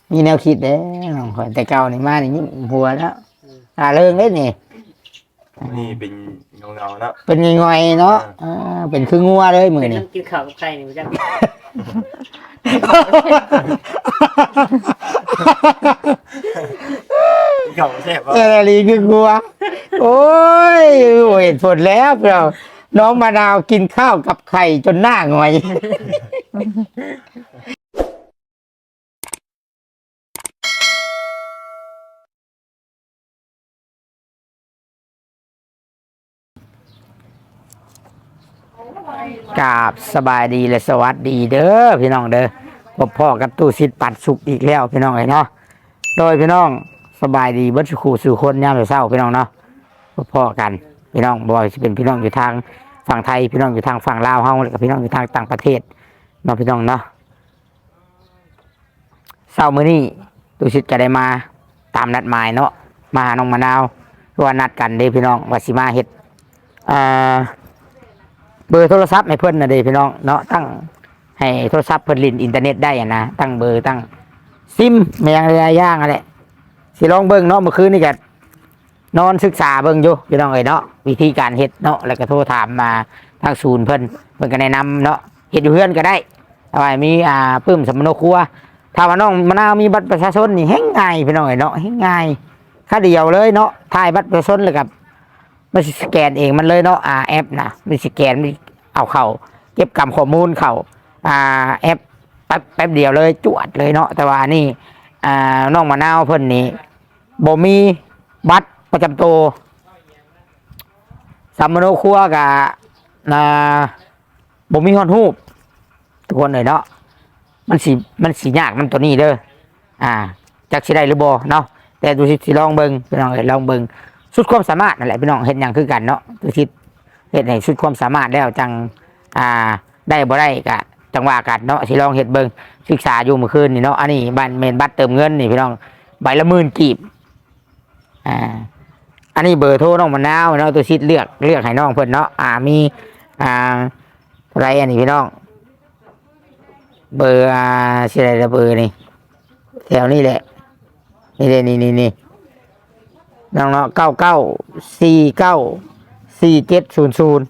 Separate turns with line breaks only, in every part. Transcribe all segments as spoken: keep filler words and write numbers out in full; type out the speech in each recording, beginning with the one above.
มีแนวคิดเด้น้องข่อยแต่เก่านี่มานี่ยิ้มหัวแล้วอ่าเรื่องเด้นี่
นี่เป็นเงาๆเนาะ
เป็นง่อยๆเนาะอ่าเป็นคืองัวเลยมื้อ
เป็น
นี้
น้ำกินข้าวกับไข่นี่บ่จัก
เงาแซ่บบ่
เออลีคืองัวโอ้ยโอ้ยผลแล้วเราน้องมะนาวกินข้าวกับไข่จนหน้าหงอยกราบสบายดีและสวัสดีเด้อพี่น้องเด้อพบพ่อกับตู้ซิดปัดสุกอีกแล้วพี่น้องเอ้ยเนาะโดยพี่น้องสบายดีเบิดสุขสู่คนยามเช้าพี่น้องเนาะพบพ่อกันพี่น้องบ่ว่าสิเป็นพี่น้องอยู่ทางฝั่งไทยพี่น้องอยู่ทางฝั่งลาวเฮาแล้วก็พี่น้องอยู่ทางต่างประเทศเนาะพี่น้องเนาะเช้ามื้อนี้ตู้ซิดจะได้มาตามนัดหมายเนาะมาหาน้องมะนาวเพราะว่านัดกันเด้พี่น้องว่าสิมาเฮ็ดอ่าเบอร์โทรศัพท์ให้เพิ่นน่ะเด้พี่น้องเนาะตั้งให้โทรศัพท์เพิ่นลินอินเทอร์เน็ตได้อะนะตั้งเบอร์ตั้งซิมแม่งหลายอย่างอะแหละสิลองเบิ่งเนาะเมื่อคืนนี่ก็นอนศึกษาเบิ่งอยู่พี่น้องเอ้ยเนาะวิธีการเฮ็ดเนาะแล้วก็โทรถามมาทางศูนย์เพิ่นเพิ่นก็แนะนำเนาะเฮ็ดอยู่เฮือนก็ได้เอาไว้มีอ่าปึ้มสำนกครัวถ้าว่าน้องมะนาวมีบัตรประชาชนนี่แฮงง่ายพี่น้องเอ้ยเนาะแฮงง่ายค่าเดียวเลยเนาะถ่ายบัตรประชาชนแล้วก็มันสิสแกนเองมันเลยเนาะอ่าแอปนะมันสแกนมันเอาเข้าเก็บกำข้อมูลเข้าอ่าแอปแป๊บแป๊บเดียวเลยจวดเลยเนาะแต่ว่านี่อ่าน้องมะนาวเพิ่นนี่บ่มีบัตรประจำตัวสำมโนครัวกับอ่าบ่มีฮอดรูปทุกคนเลยเนาะมันสิมันสิยากมันตัวนี้เด้ออ่าจักสิได้หรือบ่เนาะแต่ดูสิสิลองเบิ่งพี่น้องเอ้ยลองเบิ่งสุดความสามารถนั่นแหละพี่น้องเฮ็ดหยังคือกันเนาะดูสิเฮ็ดให้สุดความสามารถแล้วจังอ่าได้บ่ได้ก็จังว่ากันเนาะสิลองเฮ็ดเบิ่งศึกษาอยู่เมื่อคืนนี่เนาะอันนี้บัตรแม่นบัตรเติมเงินนี่พี่น้องใบละหมื่นกีบอ่าอันนี้เบอร์โทรน้องมะนาวเนาะตัวชิดเลือกเลือกให้น้องเพิ่นเนาะอ่ามีอ่าอะไรอันนี้พี่น้องเบอร์อ่าชื่ออะไรละเบอร์นี่แถวนี้แหละนี่เลยนี่นี่นี่น้องเนาะเก้าเก้าสี่เก้าสี่เจ็ดศูนย์ศูนย์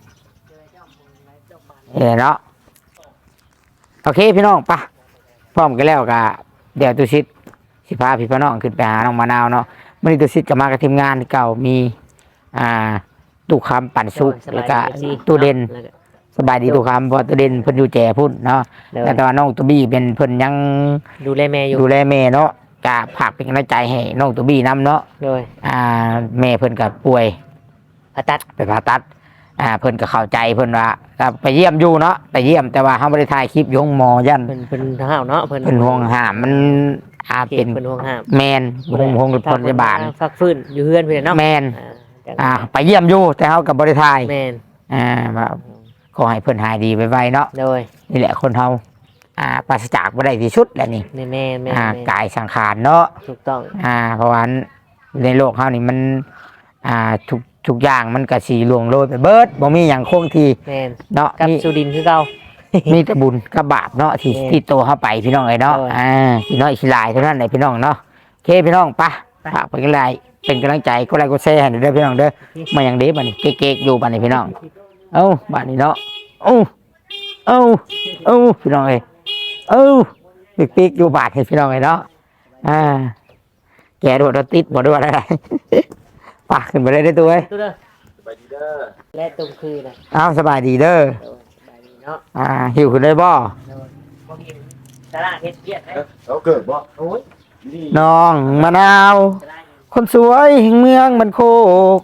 เนาะโอเคพี่น้องปะพร้อมกันแล้วกะเดี๋ยวตัวชิดสิพาพี่พี่น้องขึ้นไปหาน้องมะนาวเนาะมันนี่ตัวซิดกับมากับทีมงานเก่ามีอ่าตู้คำปั่นซุกแล้วก็ตู้เด่นสบายดีตู้คำเพราะตู้เด่นเพิ่นอยู่แจ่พุ่นเนาะแล้วตอนน้องตัวบี้เป็นเพิ่นยัง
ดูแลแม่อยู่
ดูแลแม่เนาะกะฝากเป็นกำลังใจให้น้องตัวบี้นำเนาะ
โดย
อ่าแม่เพิ่นก็ป่วย
ผ่าตัด
ไปผ่าตัดอ่าเพิ่นก็เข้าใจเพิ่นว่าก็ไปเยี่ยมอยู่เนาะไปเยี่ยมแต่ว่าเฮาบ่ได้ถ่ายคลิปอยู่ห้องหมอยัน
เพิ่นเพิ่นห้าวเนาะเพิ่น
เพิ่นห่วงห้ามมันอาเป็น
เพิ่นห่วงห้าม
แมนห่วงห่วงพยาบาล
ฟักฟื้นอยู่เฮือนเพิ่นเนาะ
แมนอ่าไปเยี่ยมอยู่แต่เขากับบริทาย
แมน
อ่าแบบขอให้เพิ่นหายดีไวๆเนาะ
โดย
นี่แหละคนเฮาอ่าปราศจากบ่ได้ที่สุดแหละนี่
แม่แม่แม่
อ่ากายสังขารเนาะ
ถูกต้อง
อ่าเพราะว่าในโลกเฮานี่มันอ่าทุกทุกอย่างมันก็สิล่วงโรยไปเบิดบ่มีหยังคงที่
แม่น
เนาะ
กับสุดินคือเก่า
มีแต่บุญกับบาปเนาะที่ที่โตเฮาไปพี่น้องเอ้ยเนาะอ่าพี่น้อยสิหลายเท่านั้นแหละพี่น้องเนาะโอเคพี่น้องปะฝากไปกันเลยเป็นกำลังใจก็ไลค์ก็แชร์ให้เด้อพี่น้องเด้อมาอย่างเด้บัดนี้เก๊กๆอยู่บัดนี้พี่น้องเอ้าบัดนี้เนาะเอ้าเอ้าเอ้าพี่น้องเอ้ยเอ้าปีกๆอยู่บาดให้พี่น้องเอ้ยเนาะอ่าแกโดดติดบ่ด้วยอะไรปะขึ้นไปได้ตัวเอ้ย
ตู้เด้อสบายดีเด้อและตรงคืนน่ะ
อ้าวสบายดีเด้อ
สบายดีเนาะ
อ่าหิวขึ้นได้บ่
บ่กินตลาดเฮ็ดเวียดเด้อ
เราเกิดบ่
โอ้ย
น้องมะนาวคนสวยแห่งเมืองมันโคก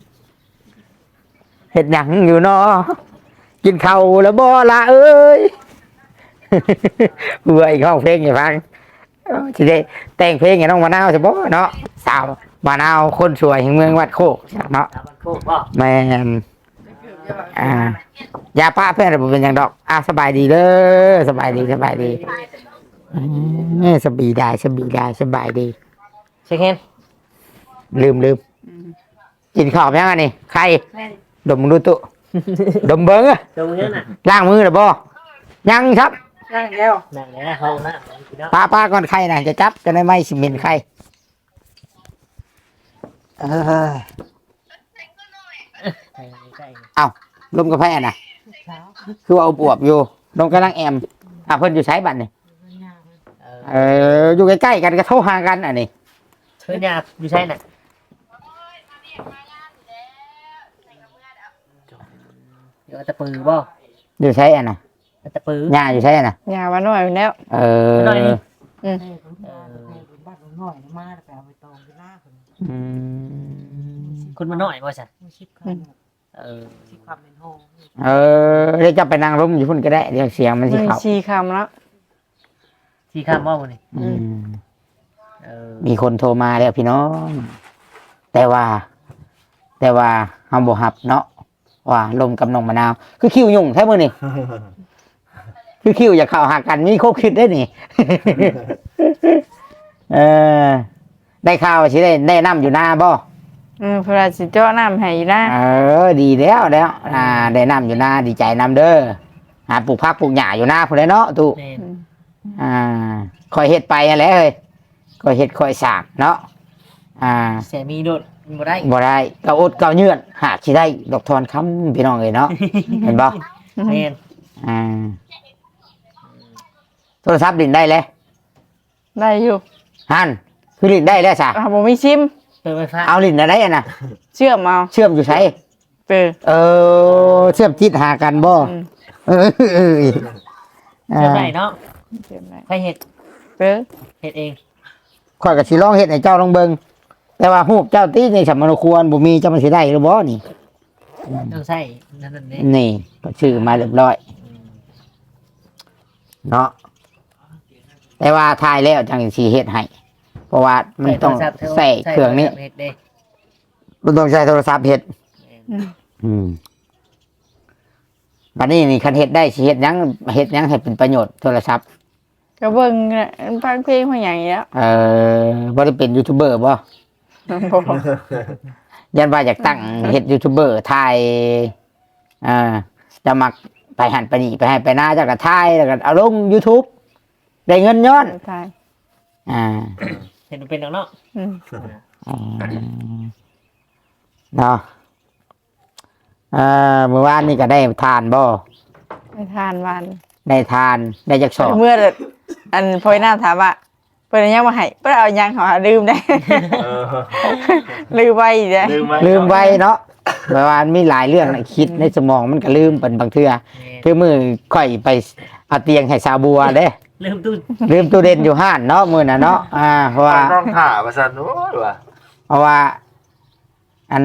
เห็ดหยังอยู่เนาะกินข้าวแล้วบ่ละเอ้ยเบื่ออีกห้องเพลงอย่าฟังทีเดีแต่งเพลงอย่าน้องมะนาวจะบ่เนาะสาวมะนาวคนสวยแห่งเมืองวัดโคกเนาะแม่นอ่ายาป้าเพื่อนผมเป็นอย่างดอกอ่ะสบายดีเด้อสบายดีสบายดีสบายได้สบายได้สบายดี
เช็คเห็น
ลืมลืมกินข้าวยังไงนี่ใครดมดูตุดมเบิ้งอะ
ดมเงี้ยน่ะ
ล้างมือหรือบ่ยังครับ
นั่งแล้ว
นั่งแล้วเขานะพี่น้อง
ป้าป้าก่อนใครนะจะจับจะได้ไม่สิเมนใครเออ
ไปใกล้
เอาลมกระแพน่ะ คือว่าเอาปวบอยู่ลมกำลังแอมอ่ะเพิ่นอยู่ใช้บัตรนี่
เออ
เอออยู่ใกล้ๆกันก็โทรหากันอันนี้
เพื่อนยาอยู่ใช่น่ะเดี๋ยวตะปือบ่
อยู่ใช้อันน่ะ
ตะปือ
หญ้าอยู่ใช้อันน่ะ
อย่ามาหน่อยแล้ว
เออ
หน่อยนี่
อืม
บ้านหน่อยมาแต่เอาไปตองไปล่าคน
อืม
คุณมาหน่อยบ่จ้ะ
ไม่ชิบค
เออ
ำชิบความเป็นห้อง
เออเดี๋ยวจะไปนั่งร่มอยู่พุ่นก็ได้เดี๋ยวเสียงมันสิ
มัน
เข้า
ชีคำแล้ว
ที่ข้ามว่าวันนี้
อืม
เออ
มีคนโทรมาแล้วพี่น้อง แต่ว่า แต่ว่าเฮาบ่ฮับเนาะว่าลมกับน้องมะนาว คือคิวยุ่งแท้มื้อนี่ คือคิวอยากเข้าหากันมีครบคิดได้นี่ เออ ได้ข่าวว่าสิได้ได้น้ำอยู่หน้าบ่
อืมเพราสิเจาะน้ำให้นะ
เออ ดีแล้วแล้ว อ่า ได้น้ำอยู่หน้าดีใจน้ำเด้อหาปลูกผักปลูกหญ้าอยู่หน้าพุ่นแหละเนาะตุ
แม่น
อ่าคอยเฮ็ดไปนั่นแหละเฮ้ยคอยเฮ็ดคอยสร้างเนาะอ่า
เสียมีโดดบ่ได้
บ่ได้เกาอดเกาเยื่อนหากสิได้ดอกทอนคำพี่น้องเอ้ยเนาะ เห็นบ่
แม่น
อ่าโทรศัพท์ลิ้นได้เลย
ได้อยู่
ฮั่นคือลิ้นได้แล้วซะ
อ่าบ่มีซิม
เปิดไฟฟ้า
เอาลิ้นอะไรอะน่ะ
เชื่อมเอา
เชื่อมอยู่ไส
เปิด
เออเชื่อมจิตหากันบ่
อืม
เออเออ
เชื่อได้เนาะ
เชื่อมได้
ใครเห็ด
เปิด
เห็ดเอง
ข้อยก็สิลองเฮ็ดให้เจ้าลองเบิ่งแต่ว่ารูปเจ้าติในสำนควรบ่มีเจ้ามันสิได้หรือบ่นี่
ต้องใส่นั่นนั่นนี่
นี่ก็ชื่อมาเรียบร้อย เนาะแต่ว่าทายแล้วจังสีเฮ็ดให้เพราะว่ามันต้องใส่เครื่องนี้
เห็ดเด้
มันต้องใช้โทรศัพท์เฮ็ด
อืม
อืมบัดนี้นี่คันเฮ็ดได้สิเฮ็ดหยังเฮ็ดหยังให้เป็นประโยชน์โทรศัพท์
ก็เบิ่งน่ะฟังเพลงมาอย่างเงี้ย
เอ่อบ่ได้เป็นยูทูบเบอร์บ่
บ่
ยันว่าอยากตั้งเฮ็ดยูทูบเบอร์ถ่ายอ่าจะมักไปหันไปนี่ไปให้ไปหน้าเจ้าก็ถ่ายแล้วก็เอาลง YouTube ได้เงินย้อน
ใช่
อ่า
เห็ดมันเป็นดอกเนาะ
อืม
อืมเนาะเอ่อเมื่อวานนี่ก็ได้ทานบ่
ไปทานวัน
ได้ทานได้จักสอบ
เมื่ออันพอยหน้าถามว่าเพิ่นเอายังมาให้เพิ่นเอายังเขาหาลืมได้
เออ
ลืมไว้อีกเด้
ลืมไหม
ลืมไว้เนาะเมื่อวานมีหลายเรื่องน่ะคิดในสมองมันก็ลืมเป็นบางเทื่อ
แม่น
คือมือค่อยไปเอาเตียงให้สาวบัวเด้
เริ่มตู้
ลืมตู้เด่นอยู่ห้านเนาะมื้อน่ะเนาะอ่าเพราะว่า
ต้องถ่าประสันโอ้ยว่ะ
เพราะว่า อัน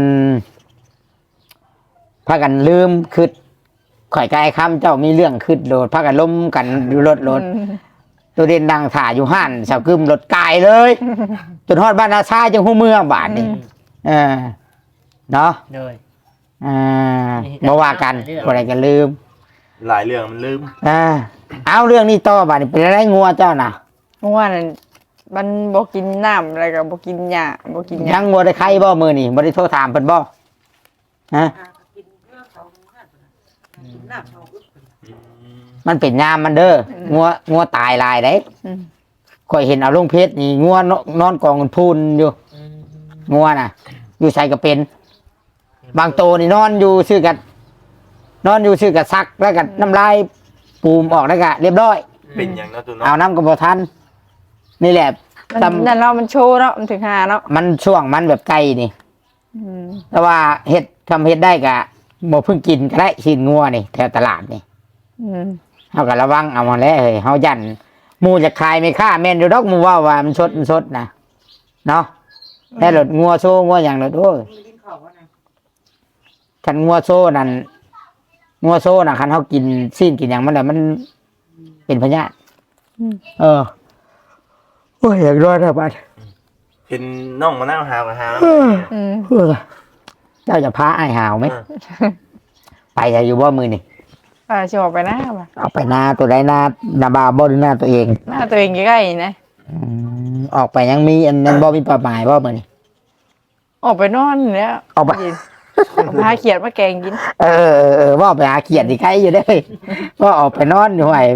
พากันลืมคือข่อยกายคำเจ้ามีเรื่องขึ้นโดดพากันล้มกันอยู่รถรถ
อืม
ตัวเด่นดังถ่าอยู่ห้านสาวกึมรถกายเลย จนฮอดบ้านนาซาจังหูเมืองบาทนี่เออเนาะ
เลย
อ่าบ่ว่ากันบ่ได้กันลืม
หลายเรื่องมันลืม
อ่าเอาเรื่องนี้ต่อบาดนี้เป็นอะไรงัวเจ้าน่ะ
เมื่อวานนั้นมันบ่กินน้ำอะไรก็บ่กินหญ้าบ่กินห
ยั
ยัง
งัวได้ไข่บ่มื้อนี่บ่ได้โทรถามเพิ่นบ่ฮะ
กินเรื่องเขากินน้ำเขา
มันเป็นยามมันเด้องัวงัวตายหลายเด้
อืม
ข่อยเห็นเอาลงเพชรนี่งัวนนอนกองกันพูนอยู่
อืม
งัวน่ะ อยู่ใส่ก็เป็น บางโตนี่นอนอยู่ชื่อกันนอนอยู่ชื่อกันซักแล้วก็น้ำลายปูมออกแล้วก็เรียบร้อย
เป็นอย่างนั้นตัวเนาะ
เอาน้ำกับบทันนี่แหละ
มัน
ตำ
นั่นเนาะมันโชว์เนาะมันถึงหาเนาะ
มันช่วงมันแบบไกลนี่
อืม
แต่ว่าเฮ็ดทำเฮ็ดได้กะบ่เพิ่งกินก็ได้ชิ้นงัวนี่แถวตลาดนี่
อืม
เฮาก็ระวังเอามาแล้วเฮ้ยเฮายันหมู่จะขายไม่ค่าแม่นอยู่ดอกหมู่ว่าว่ามันสดมันสดนะเนาะแต่รถงัวโซ่งัวหยังรถโอ้ย
กินเขาว่าไง
คันงัวโซ่นั่นงัวโซ่น่ะคันเฮากินซีนกินหยังมันน่ะมันเป็นพยาธิ
อืม
เออโอ้ยอยากรอดแล้วบัด
เห็นน้องมานั่งหามาหาแล้ว
อืม
เออเจ้าจะพาไอ้ายหาวไหม ไปจะอยู่บ่มือนี่
อ่าสิออกไปหน้าบ่ะ
เอาไปหน้าตัวใดหน้าหน้าบาบ่หรือหน้าตัวเอง
หน้าตัวเองใกล้ๆนะ
อืมออกไปยังมีอันนั้นบ่มีเป้าหมายบ่มือนี่
ออกไปนอนแล้ว
ออกไป
กินเอาพาเขียดมาแกงกิน
เออเออเออว่าไปหาเขียดที่ใครอยู่ได้อว่าออกไปนอนอยู่ไหว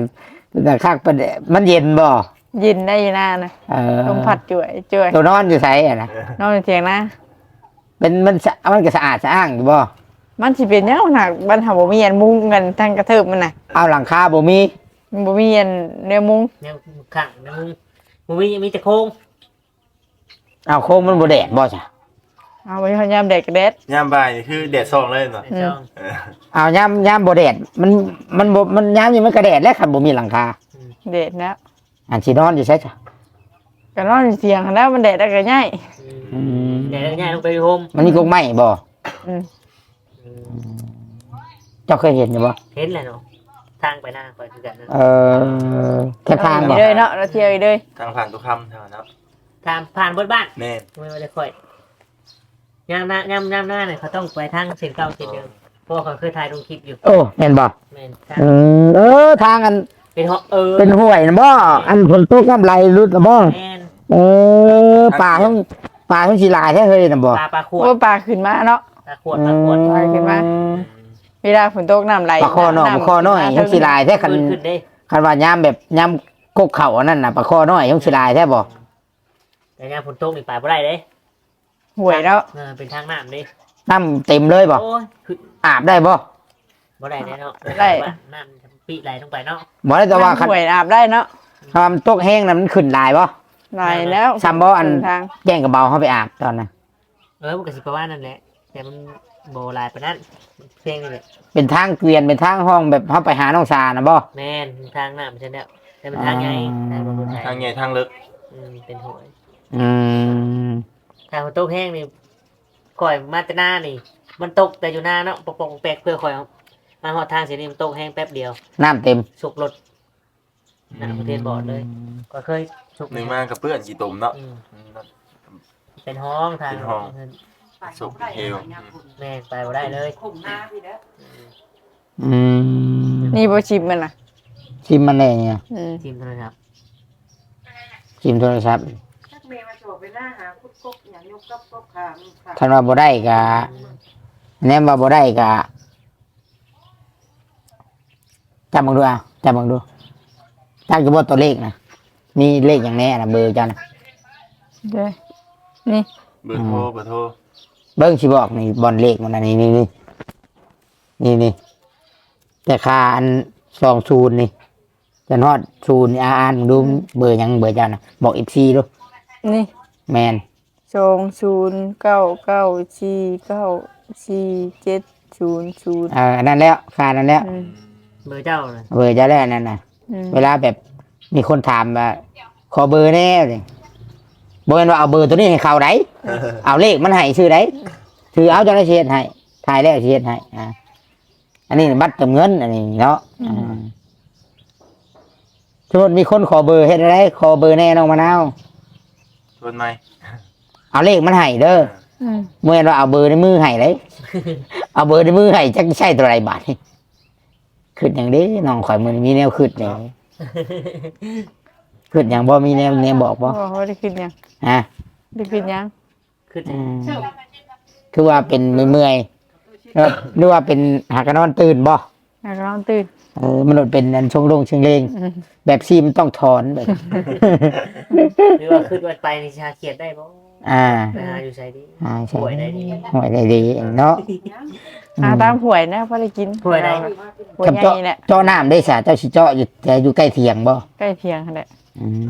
แต่คักประเดมันเย็นบ่
ยินได้อยู่หน้านะ
เออ
ลมพัดจ่วยจ่วย
ตัวนอนอยู่ไสอ่ะนะ
นอนอยู่เถียงนะ
เป็นมันสะมันก็สะอาดสะอ้างอยู่บ่
มันสิเป็นแนวหนักบ้านเฮาบ่มีอันมุงกันทางกระเทิบมันน่ะ
เอาหลังคาบ่มี
มันบ่มีอันแนวมุง
แนวขังนะมึงมึงมีมีแต่โค้ง
เอาโค้งมันบ่แดดบ่จ้ะ
เอาไว้พยายามแดกกระเด็ด
ยามบ่ายนี่คือแดดส่องเลยเนาะ
ในช่อง
เออ
เอายามยามบ่แดดมันมันบ่มันยามนี่มันก็แดดแล้วคันบ่มีหลังคา
เด็ดแล้ว
อันสินอนอยู่ไสจ้ะ
ก็นอนอยู่เถียงหั้นแล้วมันแดดแล้วก็ง่าย
อืม
เดี๋ยวง่ายลงไปโฮม
มันมีกรงไม้บ่
อืม
เจ้าเคยเห็นอยู่บ่
เห็นแหละเนาะทางไปหน้าไปคือกันนะ
เออแค่ทาง
อี
บ่
กเลยเนาะเราเที่ยวอีกเลย
ทางผ่านทุกคำเท่านั้นเนาะ
ทางผ่านบนบ้าน
แม่น
ไม่ได้ค่อยยามหน้ายามยามหน้าเนี่ยเขาต้องไปทางเส้นเก่าเส้นเดิมเพราะว่าเขาเคยถ่ายลงคลิปอยู่
โอ้แม่นบ่
แม่นทาง
เออเออทางอัน
เป็นเหาะเออ
เป็นห้วยนะบ่อันฝนตกน้ำไหลรุดนะบ่
แม่น
เออป่าทั้งป่าทั้งสิหลายแท้เฮ้ยนะบ่
ปลาปลาขวด
ว่าปลาขึ้นมาเนาะ
ปลาขวดปลาขวด
ไปขึ้นมา เวลาฝนตกน้ำไหล
ปลาคอน้อยปลาคอน้อยทั้งสิหลายแท้คัน
ขึ้นขึ้นเด้
คันว่ายามแบบยามกกเข่าอันนั้นน่ะปลาคอน้อยทั้งสิหลายแท้บ่
แต่ยามฝนตกนี่ไปบ่ได้เด้
ห่วยแล้ว
เออเป็นทางน้ำเด้
น้ำเต็มเลยบ่
โอ้ยขึ้น
อาบได้บ่
บ่ได้แน่เนาะน้ำปีไหลลงไปเนาะ
บ่ได้แต่ว่าคัน
ห่วยอาบได้เนาะ
คันมันตกแห้งน่ะมันขึ้นหลายบ่
ไหลแล้ว
ซ้ำบ่อัน
ทาง
แจ้งกับเบาเฮาไปอาบตอนนั้น
เออมันก็สิประมาณนั้นแหละแต่มันโบราณปานนั้นเพลงนี่แหละ
เป็นทางเกวียนเป็นทางห้องแบบเฮาไปหาน้องสานะบ่
แม่นทางน้ำใช่แล้วแต่เป็นทางไงทางรถไถ
ทางใหญ่ทางลึก
อืมเป็นหวย
อืม
ทางฝนตกแห้งนี่ข่อยมาแต่หน้านี่ มันตกแต่อยู่หน้าเนาะปกปกแปลกเพื่อข่อยเอามาหอดทางเสียนี่มันตกแห้งแป๊บเดียว
น้ำเต็ม
สุกรถหน้าประเทศบอดเลย ก็เคยสุก
หนึ่งมากกับเพื่อนกี่ตุ่มเนาะ
อืม
อืม
เป็นห้องทาง
เป็นห้อง สุกเฮล
แม่นไปบ่ได้เลย
ข่มหน้าพี่เด้อ
อืม
นี่บ่ชิมมันน่ะ
ชิมมันได้เนี่ย
อืม
ทีมโทรศัพท์
ชิมโทรศัพท์
ชักเมย์มาโฉบไปหน้าหาคุดกบอย่างยกกับกบขามค่ะ
คันว่าบ่ได้ก็แนมว่าบ่ได้ก็จำบังดูเอาจำบังดูจำกระบอกตัวเลขนะมีเลขอย่างแน่นะเบอร์จัน
เด้อนี่
เบอร์โทรเบอร์โทร
เบิ้งสิบอกนี่บอลเลขมันอันนี้นี่นี่นี่นี่แต่ค่าอันสองศูนย์นี่จะนอดศูนย์อ่านดูเบอร์หยังเบอร์จันนะบอกอีกซีดู
นี่
แมน
สองศูนย์เก้าเก้าสี่เก้าสี่เจ็ดศูนย์ศูนย์
เอออันนั้นแล้วค่านั้นแล้ว
อืม
เบอร์เจ้าเลย
เบอร์จะแล้วนั่นนะ
อืม
เวลาแบบมีคนถามว่าขอเบอร์แน่เลยบอกกันว่าเอาเบอร์ตัวนี้ให้เขาไหนเอาเลขมันให้ชื่อไหนถือเอาจะได้เชียให้ถ่ายแล้วเชียให้อ่าอันนี้บัตรเติมเงินอันนี้เนาะอ่าสมมติมีคนขอเบอร์เฮ็ดอะไรขอเบอร์แน่น้องมะนาว
ชวนไหม
เอาเลขมันให้เด้อ
อืม
เมื่อเราเอาเบอร์ในมือให้เลย เอาเบอร์ในมือให้จักใช่ตัวไรบาทนี่ขึ้นอย่างนี้น้องข่อยมันมีแนวขึ้นเลยขึ้นอย่างบ่มีแนวแนวบอกบ่
โอ้โหได้ขึ้นยัง
ฮะ
ได้ขึ้นยัง
ขึ้น
อืมคือว่าเป็นเมื่อยๆแล้วหรือว่าเป็นหากนอนตื่นบ่
อยากลองตื่น
เออมันเป็นอันชงลงเชิงเลง
อืม
แบบซีมันต้องถอนแบบ
หรือว่าขึ้นวันไปนี่ชาเขียดได้บ่
อ่า
ไปหาอยู่ใส่ดี
อ่าใช่
ป่วยได้ดี
ห่วยได้ดีเนาะ
หาตามหวยนะพอได้กิน
ป่วยได้
หวย
กับ
ให
เจาะ
ญ่แหละ
เจาะน้ำได้สะเจ้าสิเจาะอยู่แต่อยู่ใกล้เถียงบ่
ใกล้เคียงนั่นแหละ
อืม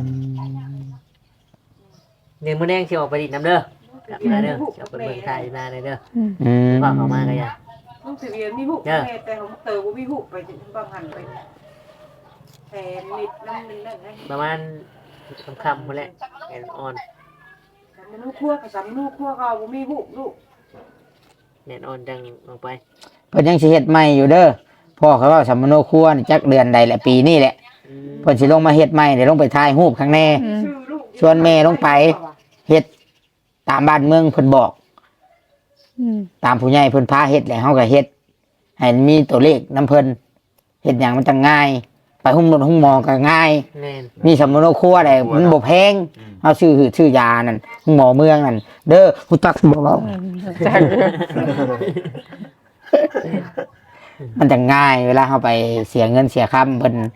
เนี่ยมื้อแดงสิออกไปดิดน้ำเด้อกลับมาเด้อสิออกไปเบิ่งทายอยู่หน้าเลยเด้อ
อืม
พ่อเข้ามาก็อย่า
ลูกสิเวียนมีหุบแม่แต่ของเตอบ่มีหุบไปถึงบางหันไปแทนนิดน้ำนึงนั่นให้
ประมาณคำๆพุ่นแหละแอนออน
สามนูคั่วกับสามนูคั่วเขาบ่มีหุบลูก
แอนออนจังออกไป
เพิ่นยังสิเฮ็ดใหม่อยู่เด้อพ่อเขาว่าสัมมโนครัวนี่จักเดือนใดแหละปีนี้แหละ
อืม
เพิ่นสิลงมาเฮ็ดใหม่เดี๋ยวลงไปถ่ายรูปข้างแน่
อืม
ชื่อลูก
ชวนแม่ลงไป เฮ็ดตามบ้านเมืองเพิ่นบอก
อืม
ตามผู้ใหญ่เพิ่นพาเฮ็ดแหละเฮาก็เฮ็ดให้มีตัวเลขนํเพิ่นเฮ็ดหยังมันจังง่าย ไปหุ้มรถหุ้มหมอก็ง่าย
แม่น
มีสัมมโนครัวได้มันบ่แพง
อืม
เฮาซื้อชื่อยานั่นหุ้มหมอเมืองนั่นเด้อฮู้จักบ่เว้า
จาก
มันจะง่ายเวลาเฮาไปเสียเงินเสียค่าเพิ่น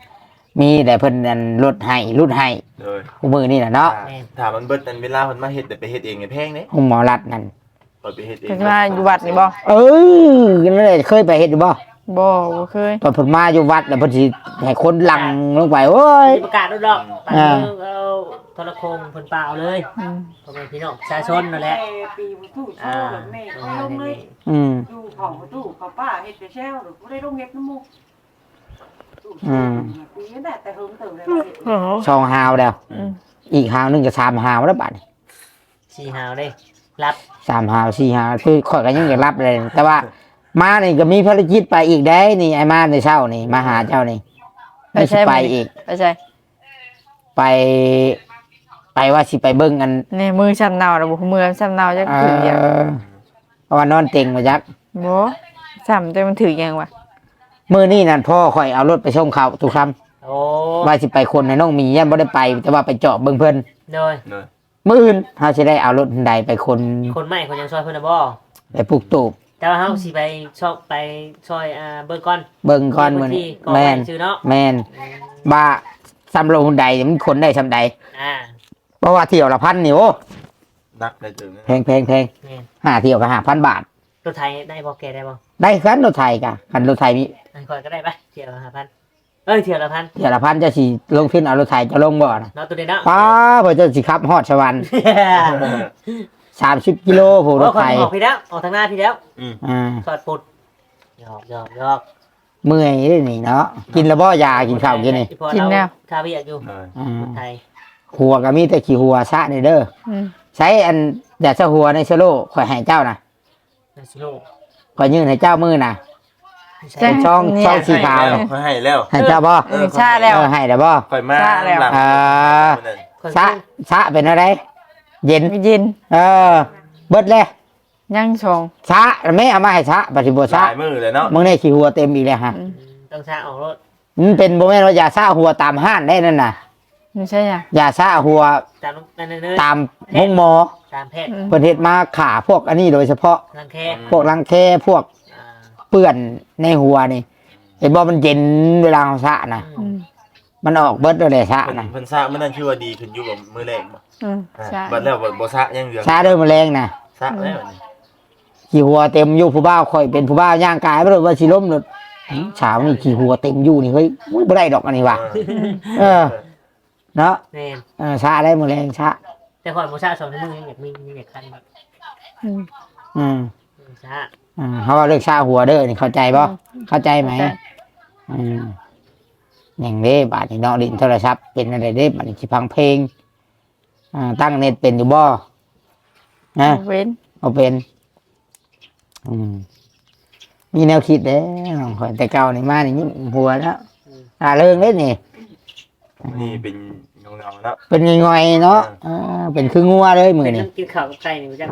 มีแต่เพิ่นอันลดให้ลดให้
โดย
คู่มือนี่น่ะเนาะ
ถามมันเบิดนั่นเวลาเพิ่นมาเฮ็ดแต่ไปเฮ็ดเองไงแพงเด้
ห้องหมอรัดนั่น
เปิดไปเฮ็ดเอง
เพิ่นมาอยู่วัดนี่บ่
เออนั่นแหละเคยไปเฮ็ดอยู่บ่
บ่บ่เคย
ตอนเพิ่นมาอยู่วัดแล้วเพิ่นสิให้คนลังลงไปโอ้ย
มีประกาศด้วยดอกปาก
อ่า
เมืองเอาโทรโคงเพิ่นเปล่าเลย
อืม
พ่อแม่พี่น้องประชาชนนั่นแหละ
ปีบ่ตู้โช
อ่า
ว์แบบแม่ก็ลงเลย
อืม
ดูของบ่ตู้เขาป้าเฮ็ดไปแช่วหรือบ่ได้ลงเฮ็ดน้ำมูกตู้
อืม
ปีนั้นแต่เฮิงเติมเลยว่าเฮ็ด
โอ้โห
สองหาวแล้ว
อืม
อีกหาวหนึงก็สามหาวแล้วบัดนี้
สี่หาวเด้รับ
สามหาวสี่หาวคือข่อยก็ยังอยากรับเลย แต่ว่ามานี่ก็มีภารกิจไปอีกได้นี่ไอ้มาในเช้านี่มาหาเจ้านี่ไม่สิไปอีก
ไปใช่
ไป ไปว่าสิไปเบิ่งกัน
นี่มือช้ำเนาแล้วบ่มือช้ำเนาจัก
เอ
ถือหยัง
อเพราะว่านอนเต็งมาจัก
บ่ช้ำแต่มันถือหยังวะ
มื้อนี้นั่นพ่อข่อยเอารถไปส่งเขาทุกคำ
โอ้
ว่าสิไปคนให้น้องมียันบ่ได้ไป แต่ว่าไปเจาะเบิ่งเพิ่น
โดย
โดย
มื้ออื่นเฮาสิได้เอารถใดไปคน
คนใหม่คนยังซอยเพิ่นน่ะบ่
ไปปลูกตูบ
แต่ว่าเฮาสิไปชอบไปซอยอ่าเบิ่งก่อน
เบิ่งก่อนมื้อ
ที่
นี้
ก่อน
แม่น
ชื่อเนาะ
แม่น
อืม
ว่าซ้ำลงใดมันคนได้ซ้ำใด
อ่า
เพราะว่าเที่ยวละพันนี่โอ้
นักได้ถึง
แพงแพงแพง
แม่น
ห้าเที่ยวก็ห้าพันบาท
รถไทยได้บ่แกได้บ่
ได้คันรถไทยกะคันรถไทยมี
อันก่อนก็ได้ปะเที่ยวละห้าพันเอ้ยเที่ยวละพัน
เที่ยวละพันจะสิลงทุนเอารถไทยจะลงบ่นะ
เนาะตัวนี้เนาะ
ป้าเพิ่นจะสิขับฮอดสวรรค์สามสิบกิโลผู้ร
โอ้
ถ
คน
ไทย
ออกพี่แล้วออกทางหน้าพี่แล้ว
อืม
อ่า
สอดปุดหยอกหยอกหยอก
เมื่อยเด้นี่เนาะกินแล้วบ่ยากินข้าวกินนี่
พอเราคาเบียดอยู่
โดย
อ่า
ไทย
หัวก็มีแต่ขี้หัวซะนี่เด้อ
อืม
ใช้อันอยากจะหัวในสโลข่อยให้เจ้านะ
นาซิโล
ข่อยยื่นให้เจ้ามือนะ
ใช่
เป็นช่อง
เนี่ย
ช่องสีขาว
แล้วเขาให้แล้ว
ให้เจ้าบ่
เออชาแล้ว
เออให้แล้วบ่
ค่อยมา
ชะแล้ว
หลัง
อ่า
มื้อนั้น
คน
ซะซะเป็นอะไร เย็น
มีเย็น
เออ เบิดเลย
ยังชง
ซะไม่เอามาให้ซะปฏิบัติ
ห
ซะ
ลายมือเลยเนาะ
มึงได้ขี้หัวเต็มอีกแล้วฮะ
อืม
ต้องชาออกรถ
มันเป็นบ่แม่นว่ายาซะหัวตามห้านได้นั่นน่ะ
ไม่ใช่อ่ะ
ยาซะหัว
ตามนั่นเนื้อ
ตามห้องหมอ
ตามแพทย์
อืม
เพิ่นเฮ็ดมาขาพวกอันนี้โดยเฉพาะ
รังแค
พวกรังแคพวก
อ่า
เปื้อนในหัวนี่ไอ้บ่มันเย็นเวลาเราซะนะ
อืม
มันออกเบิดเลยซะ
เพิ่น
นะ
เพิ่นซะมื้อนั้นคือว่าดีขึ้นอยู่บ่มื้อแรกบ่
อืม
อ่า
ใช่
บัดแล้วบ่บ่ซะยังเหลือง
ซะเด้อแมลงนะ
ซะแล้วอันนี้
ขี้หัวเต็มอยู่ผู้บ่าวข่อยเป็นผู้บ่าวย่างกายบ่รู้ว่าสิล้มเลยเช้านี่ขี้หัวเต็มอยู่นี่เฮ้ยอุ๊ยบ่ได้ดอกอันนี้ว่ะ เออ เนาะ
แม่น
เออซะได้แมลงซะ
แต่ก่อนโมชาสองนิ้วมือยังอยากมียังอยากคันแบบ
อืม
อืม
ชา
อ่าเขาว่าเลิกซะหัวเด้อนี่เข้าใจบ่เข้าใจไหม
เข้าใจ
อืมอย่างนี้บาดนี้เนาะดินโทรศัพท์เป็นอะไรเด้บาดนี้สิฟังเพลงอ่าตั้งเน็ตเป็นอยู่บ่นะ
เว้น
เอาเป็น อืม มีแนวคิดเด้น้องข่อยแต่เก่านี่มานี่ยิ้มหัวแล้วอ่าเรื่องเด้นี่
นี่เป็นเงาๆเนาะ
เป็นง่อยๆเนาะอ่าเป็นคืองัวเลยมือ
เป็น
นี่
น้ำกินข้าวกับไก่นี่มันจะ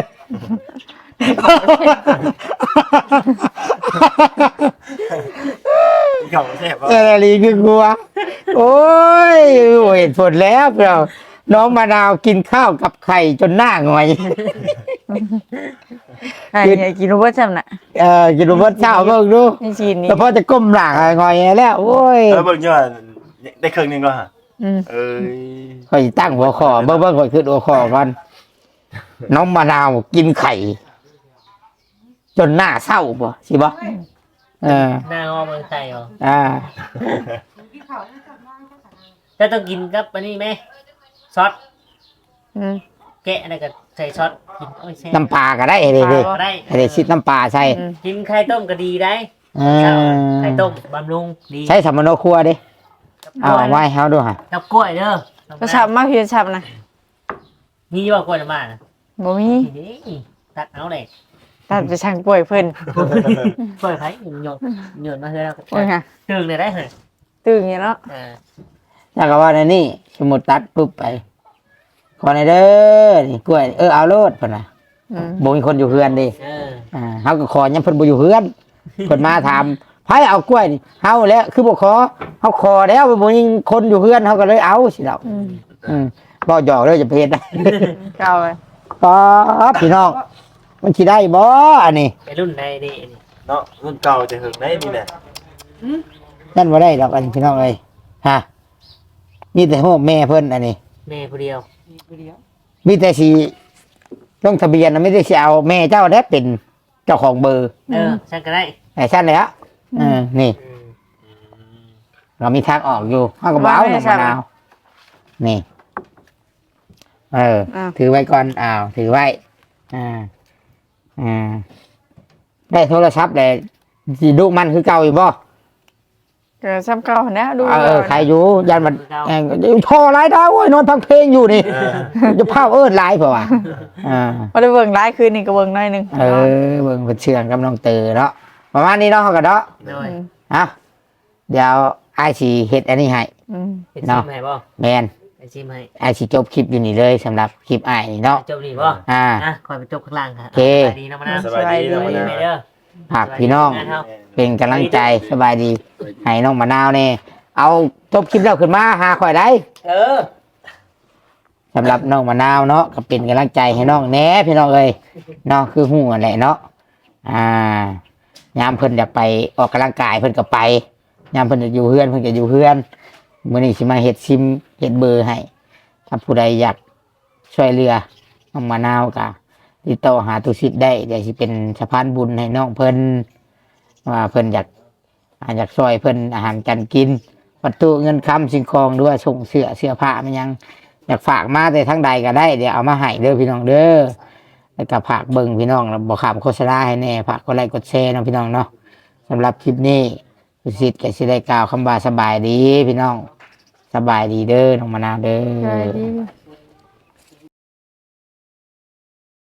เก่าแซ่บบ่
เออลีคืองัว โอ้ยเห็นผลแล้วเราน้องมะนาวกินข้าวกับไข่จนหน้าหงอย
ไอ้เนี่ยกินรู้ว่าจำน่ะ
เออกินรสเช้าเบิ่งดู
นี่จีนนี่
แต่พอจะก้มหลังอะหงอยแล้ว โอ้ย
เออเบิ่งอยู่ว่าได้ครึ่งหนึงก็ฮะ
อืม
เอ้ย
ข่อยตั้งหัวคอเบิ่งเบิ่งข่อยขึ้นหัวคอก่อนน้องมะนาวกินไข่ จนหน้าเศร้าบ่สิบ่เออ
หน้างอเมืองไทยเหรอ
อ่า
ที่เขาเนี่ยจำได้ก็สั่ง
แล้วต้องกินกับอันนี้ไหมซอส
อืม
แกะอะไรกับใส่ซอสกินโอ้ยแซ่บ
น้ำปลาก็ได้เลยเลย
ได้
ให้ได้ชิดน้ำปลาใส่
อืม
กินไข่ต้มก็ดีได้
เออ
ไข่ต้มบำรุงดี
ใช้สำมโนครัวดิเอาไว้ให้เขาดูฮะ
กับกล้วยเด้อ
ก็ฉับมากพี่ฉับนะ
มีว่ากล้วยน้ำมัน
บ่มี
นี่ตัดเอาเลย
ตัดไปช่างป่วยเพิ่น
กล้วยไผ่หยดหยดมาเถอะ
โอ้ยค่ะ
ตึงเลยได้เหรอ
ตื่นอย่างเนาะ
อ่า
แล้วก็ว่าในนี่สมมุดตัดปุ๊บไปขอในเด้อนี่กล้วยเออเอาโลดพุ่นน่ะ
อืม
บ่มีคนอยู่เฮือนดิ
เออ
อ่าเฮาก็ขอยังเพิ่นบ่อยู่เฮือนเพิ่นมาถามไผเอากล้วยนี่เฮาแล้วคือบ่ขอเฮาขอแล้วบ่มีคนอยู่เฮือนเฮาก็เลยเอาสิดอก
อืม
อืมบ่หยอกเด้อจะเพชร
เก่าเลย
ป๊อพี่น้องมันสิได้บ่อันนี้
ไปรุ่นใดดีนี่
เนาะรุ่นเก่าจะหึงได้นี่แหละ
นั่นบ่ได้ดอกอันนี้พี่น้องเอ้ยฮะมีแต่โฮมแม่เพิ่นอันนี้
แม่ผู้เดียว
มีผู้เดียว
มีแต่สิลงทะเบียนนะไม่ได้สิเอาแม่เจ้าได้เป็นเจ้าของเบอร์
เออฉันก็ได้
ไอ้ชั้นเลยอะเออนี่
อืม
เรามีทางออกอยู่ห้ากระเป๋าหนึ่งมะนาวนี่ เออ
อ้าว
ถือไว้ก่อนอ้าวถือไว้ อ่า อ่า ได้โทรศัพท์เลยสิดูมันคือเก่าอยู่บ่
ก็ซ้ำเก่านะดู
เออ
ก่น
ใครอยู่ยันมันเอ่อโทรไลน์ดาวโอ้ยนอนพังเพลงอยู่นี่
เออ
จะพาเอิ้นไลน์เปล่าวะอ่า
บ่ได้เบิ่งหลายคืนนี่ก็เบิ่งหน่อยหนึง
เออเบิ่งเพิ่นเชื่องกับน้องเตอเนาะประมาณนี้เนาะเขาก็เนาะ
โดย
ม
อ่ะเดี๋ยวไอ้ายสิเฮ็ดอันนี้ให้
อืม
เป็น
เนาะ
ชิมให้บ่
แมน
เป็นชิมให้
ไอ้ายสิจบคลิปอยู่นี่เลยสำหรับคลิปอ้ายนี่เนาะ
จบดีบ่
อ่า
อ่ะคอยไปจบข้างล่างค่ะ
โอเค
สบายดีนะมะนาว
สบายดีนะ
สบาย
มะ
ดี
นาว
ไหมเด้อ
ฝากพี่น้อง เป็นกำลังใจสบายดี ให้น้องมะนาวเนี่ยเอาจบคลิปแล้วขึ้นมาหาข่อยได้
เออ
สำหรับน้องมะนาวเนาะก็เป็นกำลังใจให้น้องแหน่พี่น้องเอ้ยเนาะคือหูนั่นแหละเนาะอ่ายามเพิ่นอยากไปออกกำลังกายเพิ่นก็ไปยามเพิ่นจะอยู่เฮือนเพิ่นก็อยู่เฮือนมื้อนี้สิมาเฮ็ดซิมเฮ็ดเบอร์ให้ถ้าผู้ใดอยากช่วยเหลือน้องมะนาวก็ติดต่อหาตุสิทธิ์ได้เดี๋ยวสิเป็นสะพานบุญให้น้องเพิ่นว่าเพิ่นอยากอ่าอยากช่วยเพิ่นอาหารการกินวัตถุเงินคำสิ่งของด้วยส่งเสื้อเสื้อผ้ามันยัง อยากฝากมาแต่ทั้งใดก็ได้เดี๋ยวเอามาให้เด้อพี่น้องเด้อแล้วก็ฝากเบิ่งพี่น้องแล้วบอกขามโฆษณาให้แน่ฝากกดไลค์กดแชร์นะพี่น้องเนาะสำหรับคลิปนี้สุสิทธิ์ก็สิได้กล่าวคำว่าสบายดีพี่น้องสบายดีเด้อน้องมะนาวเด้
ใช่
อ
ดี